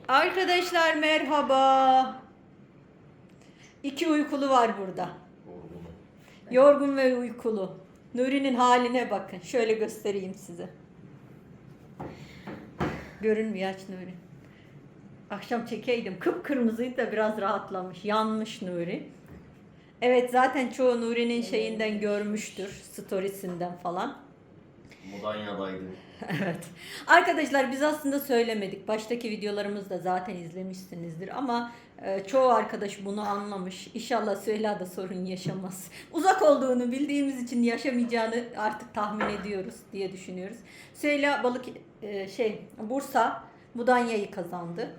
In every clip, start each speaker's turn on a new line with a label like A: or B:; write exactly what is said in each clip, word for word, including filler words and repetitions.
A: Arkadaşlar merhaba. İki uykulu var burada. Yorgun ve uykulu. Nuri'nin haline bakın. Şöyle göstereyim size. Görünmüyor, aç Nuri. Akşam çekeydim. Kıpkırmızıydı da biraz rahatlamış. Yanmış Nuri. Evet, zaten çoğu Nuri'nin şeyinden görmüştür. Storiesinden falan.
B: Mudanya'daydı.
A: Evet. Arkadaşlar biz aslında söylemedik. Baştaki videolarımızda zaten izlemişsinizdir ama e, çoğu arkadaş bunu anlamış. İnşallah Süheyla da sorun yaşamaz. Uzak olduğunu bildiğimiz için yaşamayacağını artık tahmin ediyoruz diye düşünüyoruz. Süheyla balık e, şey Bursa Mudanya'yı kazandı.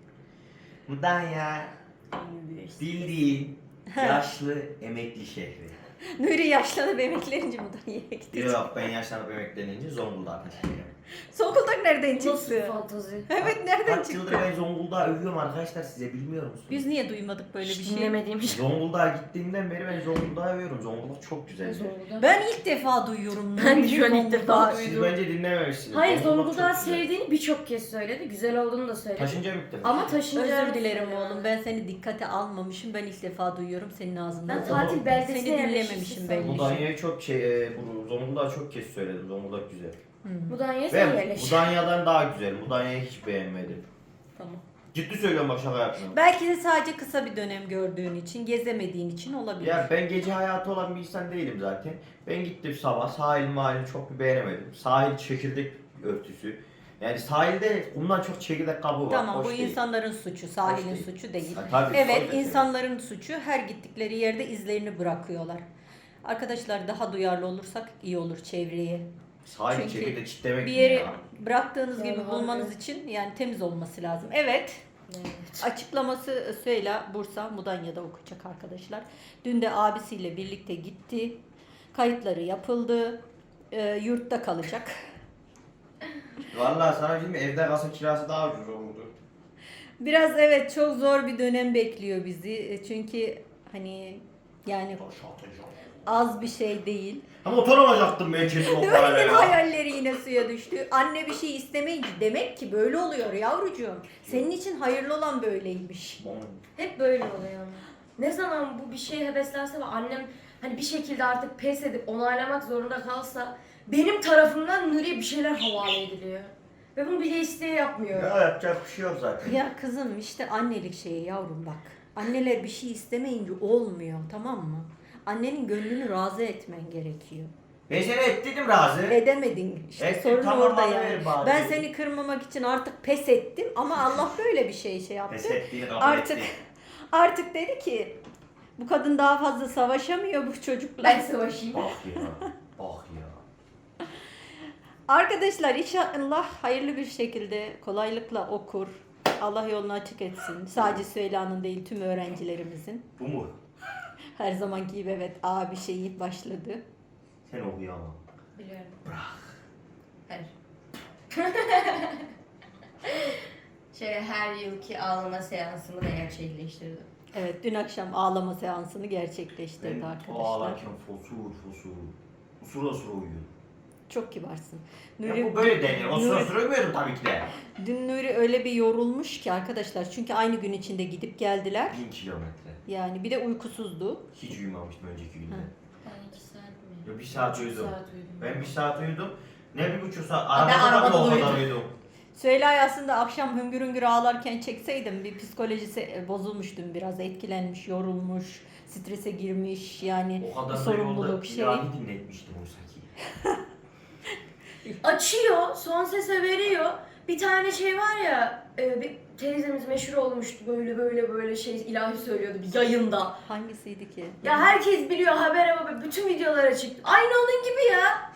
B: Mudanya bildiğin yaşlı emekli şehri.
A: Nuri yaşlanıp emeklerince Mudanya'ya gitti.
B: Yok, ben yaşlanıp emeklenince Zonguldak'a taşınıyorum.
A: Zonguldak nereden
C: Nasıl bir
A: çıktı?
C: fantazi?
A: Evet, nereden
B: Kaç yıldır
A: çıktı?
B: ben Zonguldak'ı övüyorum arkadaşlar, size bilmiyor musunuz?
A: Biz niye duymadık böyle bir
C: Hiç
A: şey?
C: dinlemediğim şey.
B: Zonguldak'a gittiğimden beri ben Zonguldak'ı övüyorum. Zonguldak çok güzel.
C: Zonguldak.
A: Ben ilk defa duyuyorum.
C: Ben de şu an ilk defa
A: Zonguldak.
B: Siz
C: duydum.
B: bence dinlememişsiniz.
C: Hayır,
B: Zonguldak
C: Zonguldak'ı
B: çok güzel.
C: sevdiğini birçok kez söyledi. Güzel olduğunu da söyledi.
B: Taşınca mı gittin?
C: Ama taşınca...
A: Özür dilerim oğlum. Ben seni dikkate almamışım. Ben ilk defa duyuyorum senin ağzından.
C: Ben tatil beldesine
A: Seni dinlememişim
C: yerleşmiştim.
A: belli.
B: Mudanya'yı çok şey, e, bu Zonguldak'ı çok kez söyledim. Zonguldak güzel.
C: Mudanya'ya sen
B: Ben
C: yerleş.
B: Mudanya'dan daha güzel. Mudanya'yı hiç beğenmedim.
A: Tamam.
B: Ciddi söylüyorum, bak şaka yapmıyorum.
A: Belki de sadece kısa bir dönem gördüğün için, gezemediğin için olabilir.
B: Ya ben gece hayatı olan bir insan değilim zaten. Ben gittim sabah, sahil mahallini çok bir beğenemedim. Sahil çekirdek örtüsü. Yani sahilde bundan çok çekirdek kabuğu var.
A: Tamam,
B: hoş
A: bu
B: değil.
A: insanların suçu, sahilin
B: değil.
A: suçu değil.
B: Ha, tabii,
A: Evet,
B: tabii.
A: insanların suçu, her gittikleri yerde izlerini bırakıyorlar. Arkadaşlar daha duyarlı olursak iyi olur çevreye.
B: Sahil
A: Çünkü
B: çekirdek çitlemek
A: Bir
B: mi
A: yeri
B: ya?
A: bıraktığınız
C: Yani
A: gibi
C: harbi.
A: bulmanız için yani temiz olması lazım. Evet.
C: Evet.
A: Açıklaması Süheyla Bursa Mudanya'da okuyacak arkadaşlar. Dün de abisiyle birlikte gitti. Kayıtları yapıldı. E, yurtta kalacak.
B: Vallahi sana şimdi evde kalsa kirası daha ucuz olurdu.
A: Biraz evet, çok zor bir dönem bekliyor bizi. E, Çünkü hani yani az bir şey değil.
B: Ha, motor alacaktım ben kesin o parayla
A: Nuri'nin
B: ya.
A: hayalleri yine suya düştü. Anne bir şey istemeyince demek ki böyle oluyor yavrucuğum. Senin için hayırlı olan böyleymiş.
C: Hep böyle oluyor ama. Ne zaman bu bir şeye heveslense ve annem hani bir şekilde artık pes edip onaylamak zorunda kalsa benim tarafımdan Nuri'ye bir şeyler havale ediliyor. Ve bunu bile isteye yapmıyor.
B: Ya yapacak bir şey yok zaten.
A: Ya kızım işte annelik şeyi yavrum bak. Anneler bir şey istemeyince olmuyor, tamam mı? Annenin gönlünü razı etmen gerekiyor.
B: Ben seni ettim razı.
A: Edemedin işte,
B: Ettim,
A: sorun
B: tamam,
A: orada
B: bana
A: yani.
B: ver bari.
A: Ben seni kırmamak için artık pes ettim ama Allah böyle bir şey şey yaptı.
B: Pes ettiğini kabul
A: Artık
B: etti.
A: artık dedi ki bu kadın daha fazla savaşamıyor bu çocukla.
C: Ben savaşayım.
B: Bak ya. Bak ya.
A: Arkadaşlar inşallah hayırlı bir şekilde kolaylıkla okur. Allah yolunu açık etsin. Sadece Süheyla'nın değil, tüm öğrencilerimizin.
B: Bu mu?
A: Her zamanki gibi evet, A bir şeyi başladı.
B: Sen okuyor ama.
C: Biliyorum.
B: Bırak.
C: Her. Şöyle her yılki ağlama seansımı da gerçekleştirdim.
A: Evet, dün akşam ağlama seansını gerçekleştirdi
B: Ben
A: arkadaşlar.
B: ağlarken fosur fosur. Usura usura uyuyorum.
A: Çok kibarsın.
B: Ya bu böyle denir. O sıra
A: Nuri-
B: sıra uyumuyordum tabii ki de.
A: Dün Nuri öyle bir yorulmuş ki arkadaşlar. Çünkü aynı gün içinde gidip geldiler.
B: Bin kilometre.
A: Yani bir de uykusuzdu.
B: Hiç uyumamıştım önceki günde.
A: Hı.
C: Ben iki saat mi?
B: Ya bir saat
C: Üç
B: uyudum.
C: saat uyudum.
B: Ben bir saat uyudum. Ne bir buçuk saat.
C: Aa, ben
B: Arabada da
C: arabada
B: o kadar
C: uyudum.
B: uyudum.
A: Süheyla'yı aslında akşam hüngür hüngür ağlarken çekseydim bir psikolojisi e, bozulmuş dün, biraz etkilenmiş, yorulmuş, strese girmiş yani
B: O kadar
A: bir
B: da
A: sorumluluk
B: yolda
A: şey.
B: ilahi dinletmiştim oysa ki.
C: Açıyor, son sese veriyor. Bir tane şey var ya, e, bir teyzemiz meşhur olmuştu, böyle böyle böyle şey ilahi söylüyordu bir yayında.
A: Hangisiydi ki?
C: Ya herkes biliyor, haber ama bütün videolara çıktı. Aynı onun gibi ya.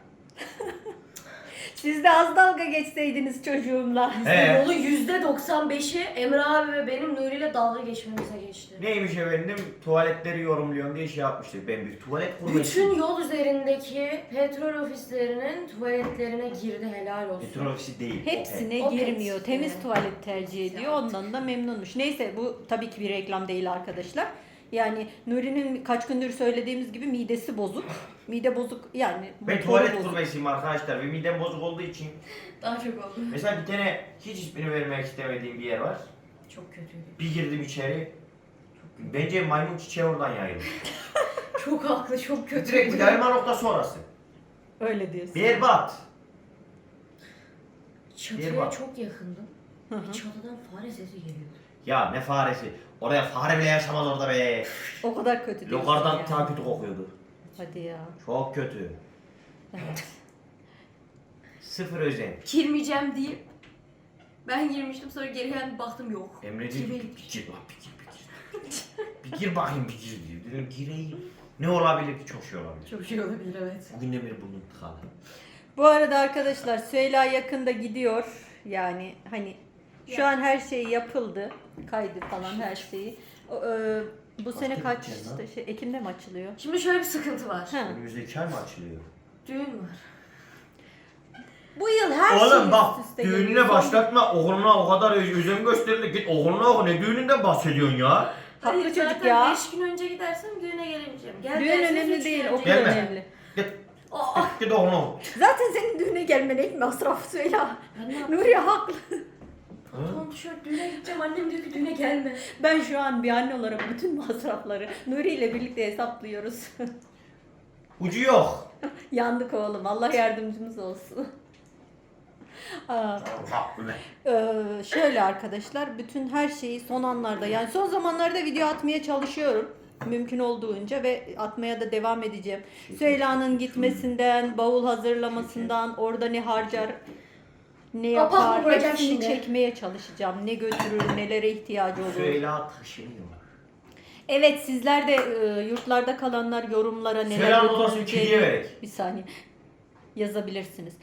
A: Siz de az dalga geçseydiniz çocuğumla.
B: He.
C: Yolun yüzde doksan beşi Emre abi ve benim Nuri ile dalga geçmemize geçti.
B: Neymiş efendim? Tuvaletleri yorumluyorum diye şey yapmıştık. Ben bir tuvalet kurmak
C: Bütün yol üzerindeki petrol ofislerinin tuvaletlerine girdi, helal olsun.
B: Petrol ofisi değil.
A: Hepsine
C: O
A: girmiyor.
C: pet.
A: Temiz
C: Evet.
A: tuvalet tercih ediyor. Ondan da memnunmuş. Neyse, bu tabii ki bir reklam değil arkadaşlar. Yani Nuri'nin kaç gündür söylediğimiz gibi midesi bozuk. Mide bozuk yani.
B: Ben
A: motoru
B: tuvalet
A: bozuk.
B: kurmesiyim arkadaşlar ve midem bozuk olduğu için.
C: Daha çok oldu.
B: Mesela bir tane hiç ismini vermek istemediğim bir yer var.
C: Çok kötüydü.
B: Bir girdim içeri. Bence maymun çiçeği oradan yayılır.
C: Çok haklı, çok kötü.
B: Direkt bir yayılma noktası orası.
A: Öyle diyorsun.
B: Berbat.
C: Çatıya
B: bak.
C: çok yakındım.
A: Hı hı.
C: Ve çatıdan fare sesi geliyordu.
B: Ya ne faresi. Oraya fare bile yaşamaz orada be.
A: O kadar kötü diyorsun
B: Lokardan
A: yani.
B: daha kötü kokuyordu.
A: Hadi ya.
B: Çok kötü.
A: Evet.
B: Sıfır özen.
C: Girmeyeceğim deyip ben girmiştim, sonra geri geldim baktım yok.
B: Emreciğim
C: Kime
B: bir
C: gitmiş?
B: gir bak bir gir bir gir. Bir gir bakayım bir gir diyor. Dedim gireyim. Ne olabilir ki? Çok şey olabilir.
C: Çok şey olabilir, evet.
B: Bugün de bir burnum tıkalı.
A: Bu arada arkadaşlar Süheyla yakında gidiyor. Yani hani şu an her şey yapıldı. Kaydı falan her şeyi. O, e, bu sene
B: Kaçta
A: kaç
B: gideceksin lan?
A: şey, Ekim'de mi açılıyor?
C: Şimdi şöyle bir sıkıntı var.
A: Ha.
B: Önümüzdeki ay mı açılıyor?
C: Düğün var.
A: Bu yıl her
B: Oğlum
A: şey
B: bak
A: üst üste
B: düğününe
A: geliyor.
B: başlatma, oğluna o kadar ö- özen gösterildi. Git oğluna oku, ne düğününden bahsediyorsun ya?
A: Haklı
C: Hayır,
A: çocuk
C: zaten
A: ya.
C: beş gün önce gidersem düğüne gelemeyeceğim. Gel
A: Düğün
C: derseniz
A: önemli
C: üç
A: değil,
C: gün
A: okul
C: önce
B: Gelme.
A: önemli.
B: Git,
C: Aa,
B: git, git oğluna oku.
A: Zaten senin düğüne gelmene ilk masraf Süheyla.
C: ben ne yapayım?
A: Nuriye haklı.
C: Pantolon tişört düğüne gideceğim, annem diyor ki düğüne gelme.
A: Ben şu an bir anne olarak bütün masrafları Nuri ile birlikte hesaplıyoruz.
B: Ucu yok.
A: Yandık oğlum. Allah yardımcımız olsun. Aa,
B: Haklı.
A: Ee, şöyle arkadaşlar, bütün her şeyi son anlarda, yani son zamanlarda video atmaya çalışıyorum mümkün olduğunca ve atmaya da devam edeceğim. Süheyla'nın gitmesinden, bavul hazırlamasından, orada ne harcar, ne
C: Kapak mı
A: yapar,
C: vuracağım
A: hepsini
C: şimdi?
A: çekmeye çalışacağım. Ne götürür, nelere ihtiyacı olur.
B: Süheyla taşınıyor.
A: Evet, sizler de e, yurtlarda kalanlar yorumlara neler
B: Süheyla'nın odasını kediye
A: götüreceğini
B: verek.
A: bir saniye yazabilirsiniz.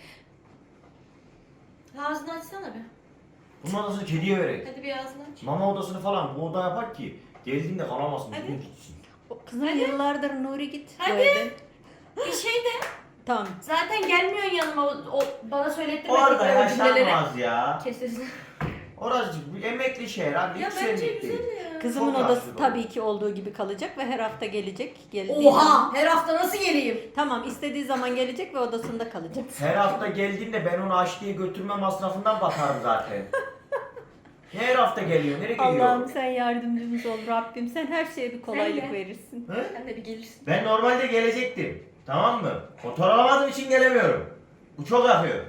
C: Ağzını açsana be.
B: Bunun odasını kediye verek.
C: Hadi bir ağzını aç.
B: Mama odasını falan bu oda yapar ki geldiğinde kalamasın.
C: Hadi.
B: Düzgün gitsin.
A: O kızım yıllardır Nuri git. bu
C: Hadi.
A: evden.
C: Bir şey de
A: Tamam.
C: zaten gelmiyorsun yanıma, o, o bana söylettirmedin
B: Orada
C: o cümleleri.
B: yaşanmaz ya.
C: Kes sesini.
B: Orası bir emekli şehir abi.
C: Ya
B: hiç
C: bence
B: senlik
C: güzel
B: değil.
C: ya.
A: Kızımın
B: Çok
A: odası
B: rahatsız
A: tabii ki olduğu gibi kalacak ve her hafta gelecek. Geldiği zaman-
C: Oha! Her hafta nasıl geleyim?
A: Tamam, istediği zaman gelecek ve odasında kalacak.
B: Her hafta geldiğinde ben onu aşçıya götürme masrafından bakarım zaten. Her hafta geliyor. Nereye gidiyor?
A: Allah'ım sen yardımcımız ol Rabbim. Sen her şeye bir kolaylık
C: Sen de.
A: verirsin.
B: Hı?
C: Sen de bir gelirsin.
B: Ben normalde gelecektim. Tamam mı? Motor alamadığım için gelemiyorum. Bu çok yakıyor.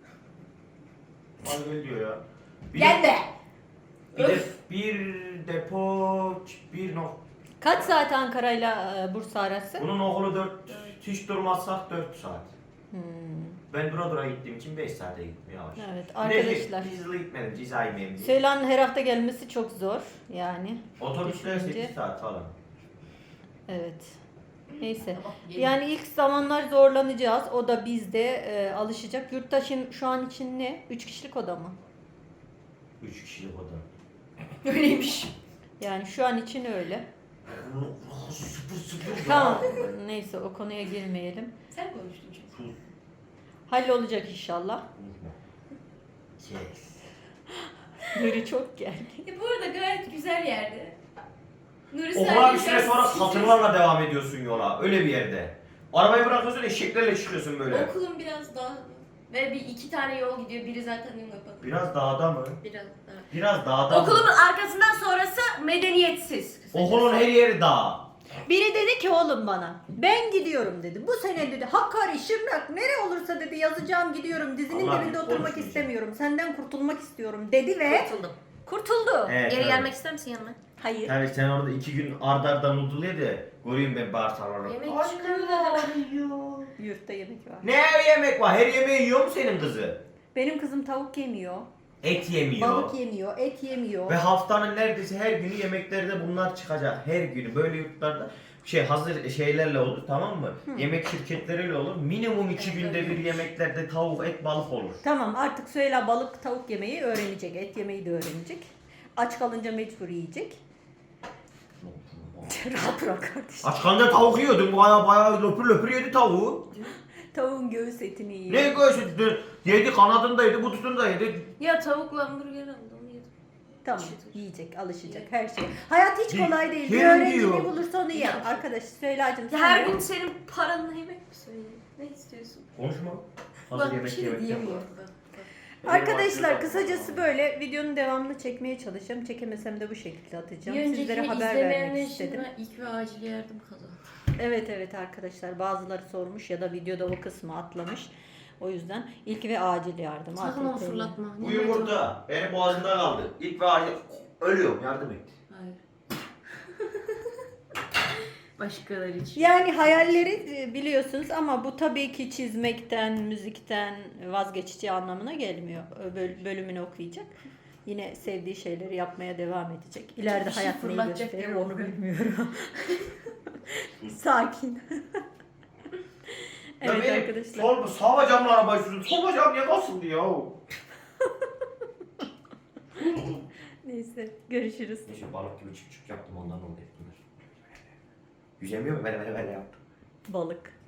B: Hadi gel diyor ya. Bir de,
C: Gel be!
B: bir, de, bir depo bir nok.
A: Kaç saat Ankara'yla e, Bursa arası?
B: Bunun okulu dört, hiç durmazsak dört saat.
A: Hmm,
B: Ben dura dura gittiğim için beş saate gittim yavaş.
A: evet
B: Bir de
A: arkadaşlar.
B: hızlı gitmedim ceza yemeyeyim diye.
A: Süheyla'nın her hafta gelmesi çok zor yani.
B: Otobüsler
A: Düşününce-
B: sekiz saat falan.
A: Evet. Neyse.
C: Tamam, gelin.
A: Yani ilk zamanlar zorlanacağız. O da bizde e, alışacak. Yurttaşın şu an için ne? Üç kişilik oda mı?
B: Üç kişilik oda.
C: Öyleymiş.
A: Yani şu an için öyle.
B: Sıfır sıfır.
A: Tamam. Neyse o konuya girmeyelim.
C: Sen konuştun çünkü.
B: Sus.
A: Hallolacak inşallah.
B: Unutma. Yes.
A: Nuri çok geldi.
C: E bu arada gayet güzel yerde. Nuri
B: Okula bir süre
C: biraz-
B: sonra satırlarla devam ediyorsun yola. Öyle bir yerde. Arabayı bırakıyorsun eşeklerle çıkıyorsun böyle.
C: Okulun biraz daha ve bir iki tane yol gidiyor. Biri zaten yol yapalım.
B: Biraz dağda mı?
C: Biraz daha.
B: Biraz dağda mı?
C: Okulumun arkasından sonrası medeniyetsiz.
B: Okulun her yeri dağ.
A: Biri dedi ki oğlum bana, ben gidiyorum dedi. Bu sene dedi Hakkari, Şırnak nere olursa dedi yazacağım, gidiyorum. Dizinin
B: Allah
A: dibinde
B: bir
A: oturmak
B: konuşmayacağım.
A: istemiyorum. Senden kurtulmak istiyorum dedi ve
C: Kurtuldum.
A: kurtuldu.
B: Evet,
C: Geri
B: evet.
C: gelmek ister misin yanıma?
A: Hayır.
B: Tabii sen orada iki gün arda arda noodle ye de göreyim ben bağırsaklarını.
C: Yemek
B: Ay,
C: çıkıyor
B: ne
C: dedi.
B: var?
A: Yurtta yemek var.
B: Ne yemek var? Her yemeği yiyor mu senin kızı?
A: Benim kızım tavuk yemiyor,
B: Et yemiyor.
A: balık yemiyor, et yemiyor.
B: Ve haftanın neredeyse her günü yemeklerde bunlar çıkacak. Her günü böyle yurtlarda şey hazır şeylerle olur, tamam mı? Yemek şirketleriyle olur. Minimum iki günde bir yemeklerde tavuk, et, balık olur.
A: Tamam, artık Süheyla balık tavuk yemeyi öğrenecek, et yemeyi de öğrenecek. Aç kalınca mecbur yiyecek. Rahat bırak kardeşim.
B: Aç kalınca tavuk yiyordun. Baya baya löpür löpür yedi tavuğu.
A: Tavuğun göğüs etini yiyor.
B: Ne göğsü? Yedi kanadını da yedi, butunu da yedi.
C: Ya tavukla hamburger aldı, onu yedim.
A: Tamam,
C: Işıtır.
A: yiyecek, alışacak her şey. Hayat hiç
B: Ye-
A: kolay değil. Bir
B: yerim
A: öğrenci
B: diyor.
A: ne bulursa onu yer. Arkadaş Süheyla'cığım
C: Ya
A: sen
C: her
A: de-
C: gün senin paranla yemek mi söyleyeyim? Ne istiyorsun?
B: Konuşma. Hazır
C: Bak bir
B: yemek
C: şey de
B: yemek
C: diyemiyorum.
B: yapma.
C: Bak, bak.
A: Arkadaşlar kısacası böyle videonun devamını çekmeye çalışacağım. Çekemesem de bu şekilde atacağım.
C: Bir
A: Sizlere
C: önceki
A: haber
C: izlemeyenler
A: vermek
C: için
A: istedim.
C: ben ilk ve acil yardım kazandım.
A: Evet evet arkadaşlar bazıları sormuş ya da videoda o kısmı atlamış. O yüzden ilk ve acil yardım.
C: Sakın onu
A: A T T'yle.
C: fırlatma.
B: Bu yumurta benim boğazımda kaldı. İlk ve acil ölüyorum, yardım et.
C: Hayır. Başkaları için.
A: Yani hayalleri e, biliyorsunuz ama bu tabii ki çizmekten, müzikten vazgeçeceği anlamına gelmiyor. Böl- bölümünü okuyacak. Yine sevdiği şeyleri yapmaya devam edecek. İleride
C: Bir şey
A: hayat neyi
C: fırlatacak
A: gösterir
C: gibi
A: onu
C: oluyor.
A: bilmiyorum. Sakin.
B: Ya
A: Evet
B: benim
A: arkadaşlar.
B: Sol, sağ bacağımla arabayı sürdüm. Sol bacağım niye basıldı ya?
A: Neyse görüşürüz.
B: Neyse balık gibi çık çık yaptım, ondan oldu bunlar. Yüzemiyor mu? Böyle böyle böyle yaptım.
A: Balık.